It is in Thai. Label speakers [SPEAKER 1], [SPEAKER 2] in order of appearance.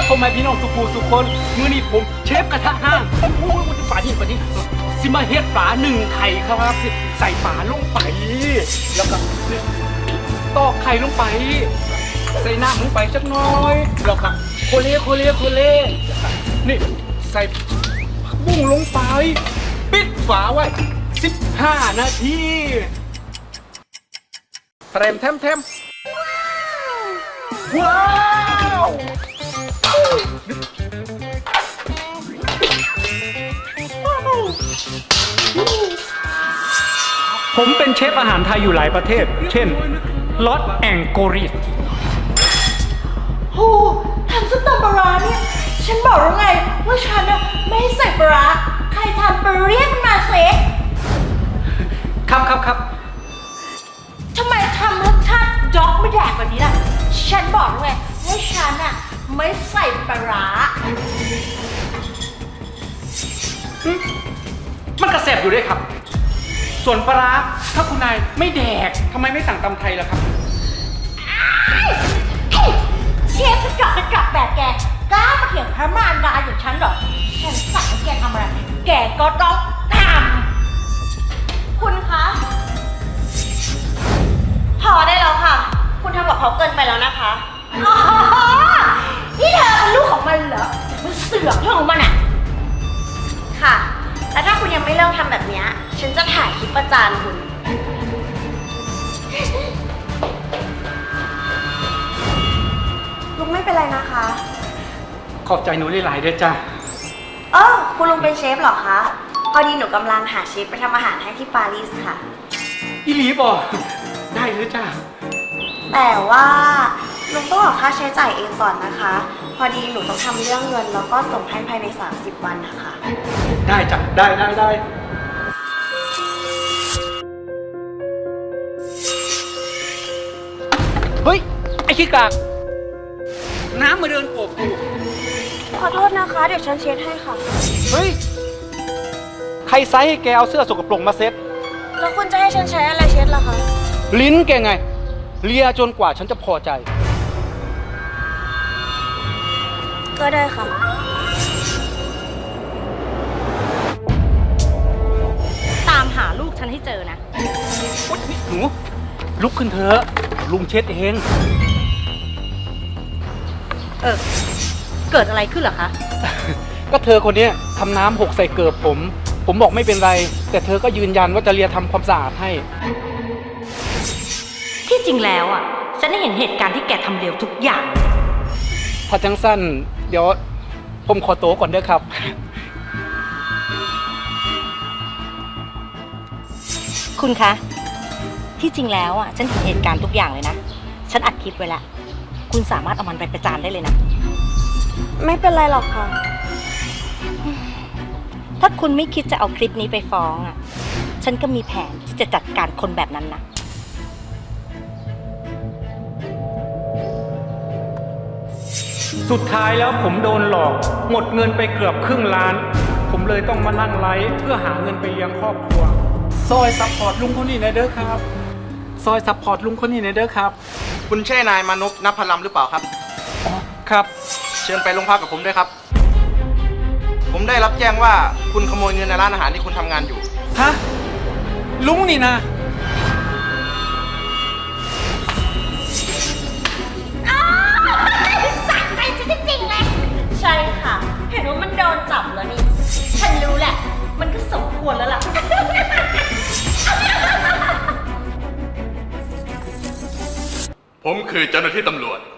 [SPEAKER 1] พ่อแม่พี่น้องสุภูสุคนมื้อนี้ผมเชฟกระทะห้างฝานี้สิมาเฮ็ดปลา1 ไข่ครับใส่ปลาลงไปแล้วก็ตอกไข่ลงไปใส่น้ำลงไปจักหน้อยแล้วก็โคเล่นี่ใส่ผักบุ้งลงไปปิดฝาไว้15 นาทีแทมว้าวผมเป็นเชฟอาหารไทยอยู่หลายประเทศเช่นลอสแองโกริส
[SPEAKER 2] โหทำส้มตำปลาร้าเนี่ยฉันบอกแล้วไงว่าฉันน่ะไม่ให้ใส่ปลาร้าใครทำไปเรียกมันมาเสิ
[SPEAKER 1] ครับ
[SPEAKER 2] ทำไมทำรสชาติด็อกไม่แดกแบบนี้ล่ะฉันบอกแล้วไงว่าฉันน่ะไม่ใส่ปลาร้า
[SPEAKER 1] มันกระแสบอยู่ด้วยครับส่วนปลาร้าถ้าคุณนายไม่แดกทำไมไม่สั่งตำไทยล่ะครับ
[SPEAKER 2] เชฟกระจอกแบบแกกล้ามาเถียงพระมารดาอย่างฉันเหรอฉันสั่งให้แกทำอะไรแกก็ต้องทำคุณคะพอได้แล้วค่ะคุณทำกับเขาเกินไปแล้วนะคะอ๋อนี่เธอเป็นลูกของมันเหรอมันเสือกเรื่องของมันอ่ะค่ะแล้วถ้าคุณยังไม่เลิกทำแบบนี้ฉันจะถ่ายคลิปประจานคุณลุงไม่เป็นไรนะคะ
[SPEAKER 1] ขอบใจหนูหลายๆเด้อจ้า
[SPEAKER 2] คุณลุงเป็นเชฟเหรอคะพอดีหนูกำลังหาเชฟไปทำอาหารให้ที่ปารีสค่ะ
[SPEAKER 1] อีหลีบ่ได้เลยจ้า
[SPEAKER 2] แต่ว่าลุงต้องออกค่าใช้จ่ายเองก่อนนะคะพอดีหนูต้องทำเรื่องเงินแล้วก็ส่งให้ภายใน30 วันนะคะ
[SPEAKER 1] ได้จ้ะได้เฮ้ยไอ้ขี้กากน้ำมาเดินโอบกู
[SPEAKER 2] ขอโทษนะคะเดี๋ยวฉันเช็ดให้ค่ะ
[SPEAKER 1] เฮ้ยใครไซส์ให้แกเอาเสื้อสกปรกมาเซ็ต
[SPEAKER 2] แล้วคุณจะให้ฉันใช้อะไรเช็ดล่ะคะ
[SPEAKER 1] ลิ้นแกไงเลียจนกว่าฉันจะพอใจ
[SPEAKER 2] ก็ได้ค่ะตามหาลูกฉันให้เจอนะ
[SPEAKER 1] หนูลุกขึ้นเถอะลุงเช็ดเอง
[SPEAKER 2] เกิดอะไรขึ้นเหรอคะ
[SPEAKER 1] ก็เธอคนนี้ทำน้ำหกใส่เกิบผมบอกไม่เป็นไรแต่เธอก็ยืนยันว่าจะเลียทำความสะอาดให้
[SPEAKER 2] ที่จริงแล้วอ่ะฉันได้เห็นเหตุการณ์ที่แกทำเร็วทุกอย่าง
[SPEAKER 1] ถ้าจังสั้นเดี๋ยวผมขอโต๊ะก่อนเด้อครับ
[SPEAKER 2] คุณคะที่จริงแล้วอ่ะฉันเห็นเหตุการณ์ทุกอย่างเลยนะฉันอัดคลิปไว้แล้วคุณสามารถเอามันไปประจานได้เลยนะไม่เป็นไรหรอกค่ะถ้าคุณไม่คิดจะเอาคลิปนี้ไปฟ้องอ่ะฉันก็มีแผนที่จะจัดการคนแบบนั้นนะ
[SPEAKER 1] สุดท้ายแล้วผมโดนหลอกหมดเงินไปเกือบครึ่งล้านผมเลยต้องมานั่งไลฟ์เพื่อหาเงินไปเลี้ยงครอบครัวซอยซัพพอร์ตลุงคนนี้หน่อยเด้อครับซอยซัพพอร์ตลุงคนนี้หน่อยเด้อครับ
[SPEAKER 3] คุณใช่นายมานพ ณัพพลัมหรือเปล่าครับ
[SPEAKER 1] อ๋อครับ
[SPEAKER 3] เชิญไปโรงพักกับผมด้วยครับผมได้รับแจ้งว่าคุณขโมยเงินในร้านอาหารที่คุณทำงานอยู่
[SPEAKER 1] ฮะลุงนี่นะ
[SPEAKER 2] สะใจจริงๆเลยใช่ค่ะเห็นว่ามันโดนจับแล้วนี่ฉันรู้แหละมันก็สมควรแล้วล่ะ
[SPEAKER 4] ผมคือเจ้าหน้าที่ตำรวจ